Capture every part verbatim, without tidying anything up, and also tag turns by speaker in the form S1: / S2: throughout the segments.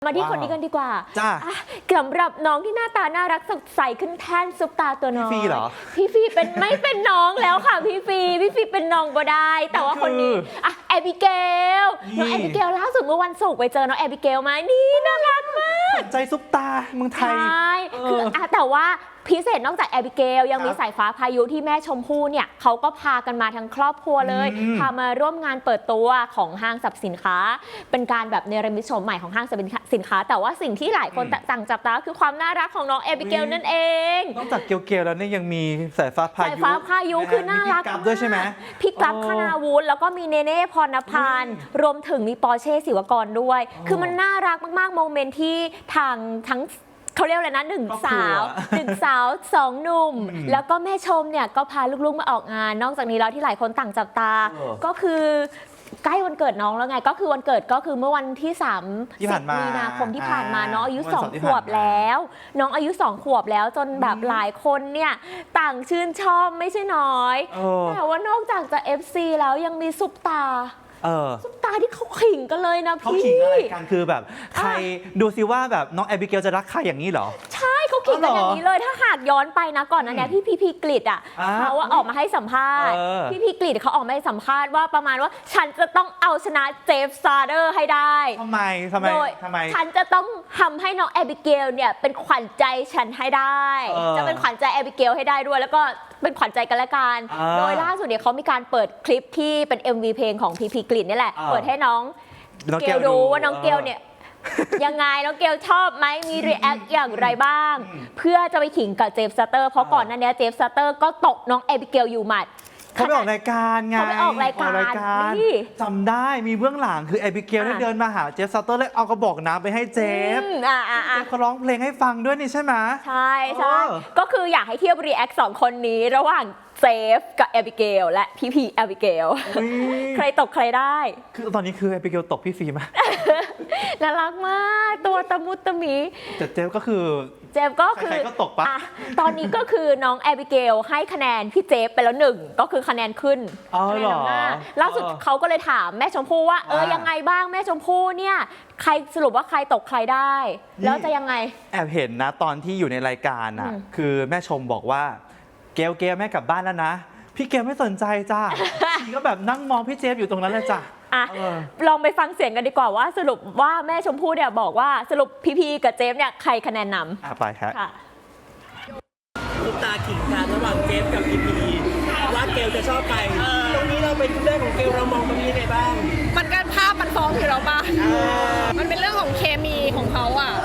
S1: มาที่คนนี้กันดีกว่า
S2: จ้า
S1: สำหรับน้องที่หน้าตาน่ารักสดใสขึ้นแท่นซุปตาตัวน้อย
S2: พี่ฟีเหรอ
S1: พี่ฟีเป็นไม่เป็นน้องแล้วค่ะพี่ฟีพี่ฟีเป็นน้องก็ได้แต่ว่าคนนี้อ่ะแอบิเกลน้องแอบิเกลล่าสุดเมื่อวันศุกร์ไปเจอน้องแอบิเกลมานี่น่ารักมาก
S2: ใจซุปตาเมืองไทย
S1: ใช่คืออ่ะแต่ว่าพิเศษนอกจากแอบิเกลยังมีสายฟ้าพายุที่แม่ชมพู่เนี่ยเขาก็พากันมาทั้งครอบครัวเลยพามาร่วมงานเปิดตัวของห้างสรรพสินค้าเป็นการแบบเนรมิตโฉมใหม่ของห้างสรรพสินค้าแต่ว่าสิ่งที่หลายคนต่างจับตาคือความน่ารักของน้องแอบิเกลนั่นเอง
S2: นอกจากเกลเกลแล้วเนี่ยยังมีสายฟ้าพายุ
S1: สายฟ้าพายุคือน่ารัก
S2: มากด้วยใช่ไหม
S1: พี่กลับคณาวุฒิแล้วก็มีเนเน่พรณพันธ์รวมถึงมีปอร์เช่ศิวกรด้วยคือมันน่ารักมากๆโมเมนต์ที่ทางทั้งเขาเรียกอะไรนะหนึ่งสาวหนึ่งสาวสองหนุ่มแล้วก็แม่ชมเนี่ยก็พาลูกๆมาออกงานนอกจากนี้แล้วที่หลายคนต่างจับตาก็คือใกล้วันเกิดน้องแล้วไงก็คือวันเกิดก็คือเมื่อวันที่สามสิบมีนาคมที่ผ่านมาน้องอายุสองขวบแล้วน้องอายุสองขวบแล้วจนแบบหลายคนเนี่ยต่างชื่นชอบไม่ใช่น้อยแต่ว่านอกจากจะ เอฟ ซี แล้วยังมีซุปตาซุปตาที่เขาขิงกันเลยนะพี่
S2: เขาขิงอะไรกันคือแบบใครดูซิว่าแบบน้องแอบิเกลจะรักใครอย่างนี้เหรอ
S1: ใช่เขาขิงกันอย่างนี้เลยถ้าหากย้อนไปนะก่อนนั้นเนี่ยพี่พีพีกฤษอ่ะเขาออกมาให้สัมภาษณ์พี่พีกฤษเขาออกมาให้สัมภาษณ์ว่าประมาณว่าฉันจะต้องเอาชนะเจฟซาเดอร์ให้ได้
S2: ทำไมทำไมทำไม
S1: ฉันจะต้องทำให้น้องแอบิเกลเนี่ยเป็นขวัญใจฉันให้ได้จะเป็นขวัญใจแอบิเกลให้ได้ด้วยแล้วก็เป็นขวัญใจกันและกันโดยล่าสุดเนี่ยเขามีการเปิดคลิปที่เป็น เอ็ม วี เพลงของพีพีกฤษนี่แหละเปิดให้น้องเกลดูว่าน้องเกลเนี่ยยังไงน้องเกลชอบไหมมีรีแอคอย่างไรบ้างเพื่อจะไปขิงกับเจฟซัตเตอร์เพราะก่อนหน้านี้เจฟซัตเตอร์ก็ตกน้องแอบิเกลอยู่หมัด
S2: เขาไปออกรายการไง
S1: เขาไปออกรายการ
S2: จำได้มีเบื้องหลังคือแอบิเกลได้เดินมาหาเจฟซัตเตอร์แล้วเอากระบอกน้ำไปให้เจฟเจฟเขาร้องเพลงให้ฟังด้วยนี่ใช่ไหม
S1: ใช่ใช่ก็คืออยากให้เทียบรีแอคสองคนนี้ระหว่างเจฟกับแอบิเกลและพี่พีแอบิเกลใครตกใครได้
S2: คือตอนนี้คือแอบิเกลตกพี่ฟีมา
S1: น่ารักมากตัวตะมุตะมี
S2: แต่เจฟก็คือ
S1: เจฟก็คือ
S2: ใครก็ตกปะ
S1: ตอนนี้ก็คือน้องแอบิเกลให้คะแนนพี่เจฟไปแล้วหนึ่งก็คือคะแนนขึ้น
S2: คะแนนนำหน้า
S1: ล่าสุดเขาก็เลยถามแม่ชมพู่ว่าเออยังไงบ้างแม่ชมพู่เนี่ยใครสรุปว่าใครตกใครได้แล้วจะยังไง
S2: แอบเห็นนะตอนที่อยู่ในรายการอ่ะคือแม่ชมบอกว่าเกลเกลแม่กลับบ้านแล้วนะพี่เกลไม่สนใจจ้าชีก็แบบนั่งมองพี่เจฟอยู่ตรงนั้นเลยจ้ะ
S1: อ่ะลองไปฟังเสียงกันดีกว่าว่าสรุปว่าแม่ชมพู่เนี่ยบอกว่าสรุปพีพีกับเจฟเนี่ยใครคะแนนนำ
S2: อ่ะไปครับ
S3: ลูกตาขิงกันระหว่างเจฟกับพีพีว่าเกลจะชอบใครตรงนี้เราเป็นเรื่องของเกลเรามองตรงนี้ยังไงบ้าง
S4: มันก็ภาพมันฟ้องอยู่แล้วป่ะมันเป็นเรื่องของเคมีของเขาอ่ะ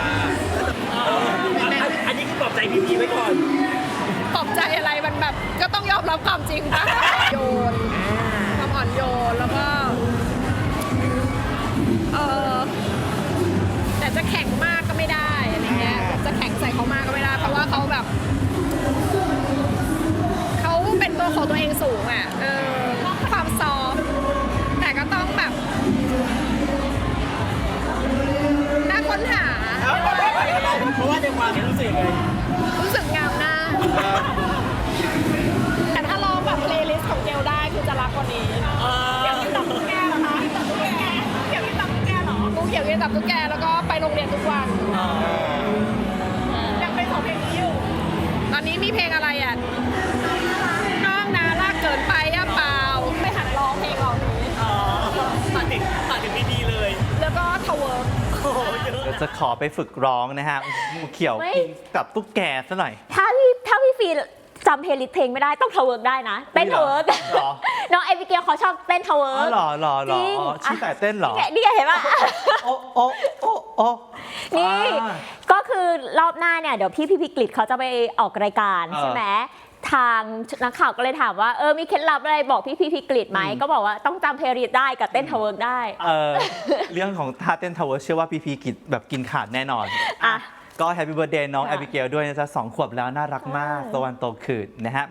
S3: อันนี้คือปลอบใจพีพีไว้ก่อน
S4: ปลอบใจอะไรมันแบบก็ต้องยอมรับความจริงป่ะโยนความอ่อนโยนแล้วก็เออแต่จะแข็งมากก็ไม่ได้อะไรเงี้ยจะแข็งใส่เขามากก็ไม่ได้เพราะว่าเขาแบบเขาเป็นตัวของตัวเองสูงอ่ะเออความซอฟแต่ก็ต้องแบบน่าค้นหา
S3: เพราะว่าในความรู้สึกไง
S4: รู้สึกงามหน้าแต่ถ้าลองแบบเพลย์ลิสต์ของเกลได้คือจะรักกว่านี้เกี่ยวกับตับตุ๊กแกเหรอคะเกี่ยวกับตับตุ๊กแกเหรอกูเกี่ยวกับตับตุ๊กแกแล้วก็ไปโรงเรียนทุกวันยังเป็นของเพลงนี้อยู่ตอนนี้มีเพลงอะไรอ่ะน้องนาลากเกินไปอ่ะเปล่าไม่หัดร้องเพลงเหล่านี้
S3: ผ่านถึงผ่านถึงดีๆเลย
S4: แล้วก็ทาวเวอร์
S2: เดี๋ยวจะขอไปฝึกร้องนะฮะเขียวกินกับตุ๊กแกซะหน่อย
S1: ถ้าพี่ถ้าพี่ฟีจำเพลย์ลิสต์เพลงไม่ได้ต้องทาวเวิร์กได้นะเต้นทาวเวิร์กน้องแอบิเกลเขาชอบเต้นทาวเวิร์ก
S2: หรอหรอหรอชี้แต่เต้นหรอ
S1: นี่เห็นป่ะ
S2: โอ้โอ้โอ้โอ้
S1: นี่ก็คือรอบหน้าเนี่ยเดี๋ยวพี่พี่พิกฤตเขาจะไปออกรายการใช่ไหมทางนักข่าวก็เลยถามว่าเออมีเคล็ดลับอะไรบอกพี่พี่พิกฤตไหมก็บอกว่าต้องจำเพลย์ลิสต์ได้กับเต้นทาวเวิร์กได้
S2: เออเรื่องของท่าเต้นทาวเวิร์กเชื่อว่าพี่พิกฤตแบบกินขาดแน่นอนก็แฮปปี้เบิร์ธเดย์น้องแอบิเกลด้วยนะจ๊ะสองขวบแล้วน่ารักมากตะวันโตขึ้นนะฮะ